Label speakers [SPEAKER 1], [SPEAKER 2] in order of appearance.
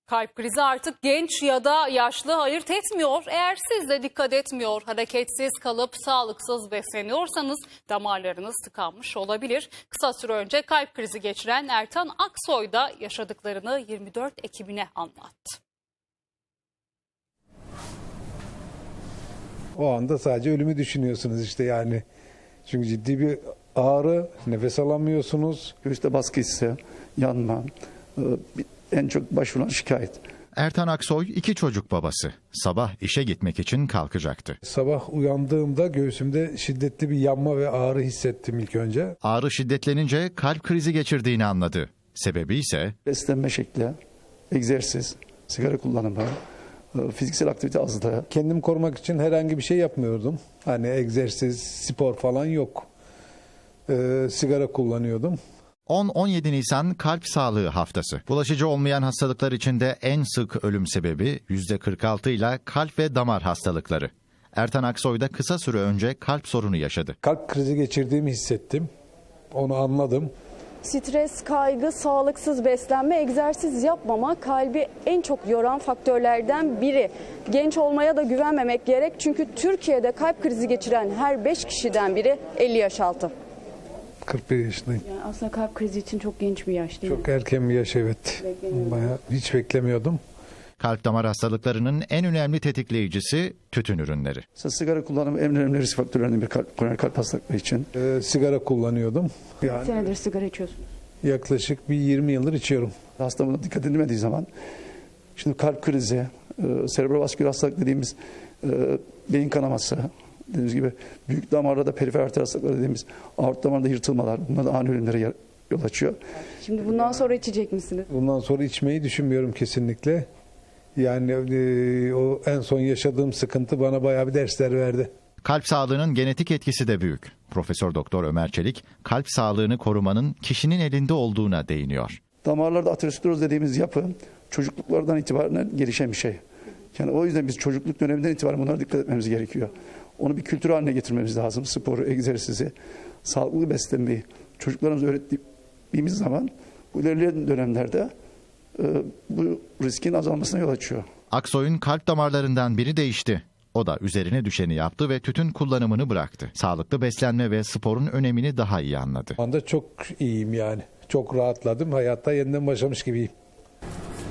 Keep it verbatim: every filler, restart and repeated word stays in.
[SPEAKER 1] Kalp krizi artık genç ya da yaşlı ayırt etmiyor. Eğer siz de dikkat etmiyor, hareketsiz kalıp sağlıksız besleniyorsanız damarlarınız tıkanmış olabilir. Kısa süre önce kalp krizi geçiren Ertan Aksoy da yaşadıklarını yirmi dört ekibine anlattı.
[SPEAKER 2] O anda sadece ölümü düşünüyorsunuz işte yani. Çünkü ciddi bir ağrı, nefes alamıyorsunuz.
[SPEAKER 3] Göğüste baskı hissi, yanma, en çok başvurulan şikayet.
[SPEAKER 4] Ertan Aksoy iki çocuk babası. Sabah işe gitmek için kalkacaktı.
[SPEAKER 2] Sabah uyandığımda göğsümde şiddetli bir yanma ve ağrı hissettim ilk önce.
[SPEAKER 4] Ağrı şiddetlenince kalp krizi geçirdiğini anladı. Sebebi ise
[SPEAKER 3] Beslenme şekli, egzersiz, sigara kullanımı, fiziksel aktivite azlığı.
[SPEAKER 2] Kendimi korumak için herhangi bir şey yapmıyordum. Hani egzersiz, spor falan yok. Ee, sigara kullanıyordum.
[SPEAKER 4] on on yedi Nisan Kalp Sağlığı Haftası. Bulaşıcı olmayan hastalıklar içinde en sık ölüm sebebi yüzde kırk altı ile kalp ve damar hastalıkları. Ertan Aksoy da kısa süre önce kalp sorunu yaşadı.
[SPEAKER 2] Kalp krizi geçirdiğimi hissettim. Onu anladım.
[SPEAKER 5] Stres, kaygı, sağlıksız beslenme, egzersiz yapmama kalbi en çok yoran faktörlerden biri. Genç olmaya da güvenmemek gerek çünkü Türkiye'de kalp krizi geçiren her beş kişiden biri elli yaş altı.
[SPEAKER 2] kırk bir yaşındayım.
[SPEAKER 5] Yani aslında kalp krizi için çok genç bir yaş değil mi?
[SPEAKER 2] Çok erken bir yaş, evet. Bayağı hiç beklemiyordum.
[SPEAKER 4] Kalp damar hastalıklarının en önemli tetikleyicisi tütün ürünleri.
[SPEAKER 3] Sigara kullanımı en önemli risk faktörlerinden bir kalp, koroner kalp hastalıkları için.
[SPEAKER 2] Ee, sigara kullanıyordum. Yani
[SPEAKER 5] Senedir sigara içiyorsunuz.
[SPEAKER 2] yaklaşık bir yirmi yıldır içiyorum.
[SPEAKER 3] Hasta buna dikkat edilmediği zaman, şimdi kalp krizi, e, serebrovasküler hastalık dediğimiz e, beyin kanaması, dediğimiz gibi büyük damarlarda perifer arter hastalıkları dediğimiz aort damarında yırtılmalar, bunlar da ani ölümlere yol açıyor.
[SPEAKER 5] Şimdi bundan sonra içecek misiniz?
[SPEAKER 2] Bundan sonra içmeyi düşünmüyorum kesinlikle. Yani e, o en son yaşadığım sıkıntı bana bayağı bir dersler verdi.
[SPEAKER 4] Kalp sağlığının genetik etkisi de büyük. Profesör Doktor Ömer Çelik, kalp sağlığını korumanın kişinin elinde olduğuna değiniyor.
[SPEAKER 3] Damarlarda ateroskleroz dediğimiz yapı çocukluklardan itibaren gelişen bir şey. Yani o yüzden biz çocukluk döneminden itibaren bunlara dikkat etmemiz gerekiyor. Onu bir kültür haline getirmemiz lazım. Sporu, egzersizi, sağlıklı beslenmeyi çocuklarımıza öğrettiğimiz zaman bu ilerleyen dönemlerde e, bu riskin azalmasına yol açıyor.
[SPEAKER 4] Aksoy'un kalp damarlarından biri değişti. O da üzerine düşeni yaptı ve tütün kullanımını bıraktı. Sağlıklı beslenme ve sporun önemini daha iyi anladı.
[SPEAKER 2] Şu anda çok iyiyim yani. Çok rahatladım. Hayatta yeniden başlamış gibiyim.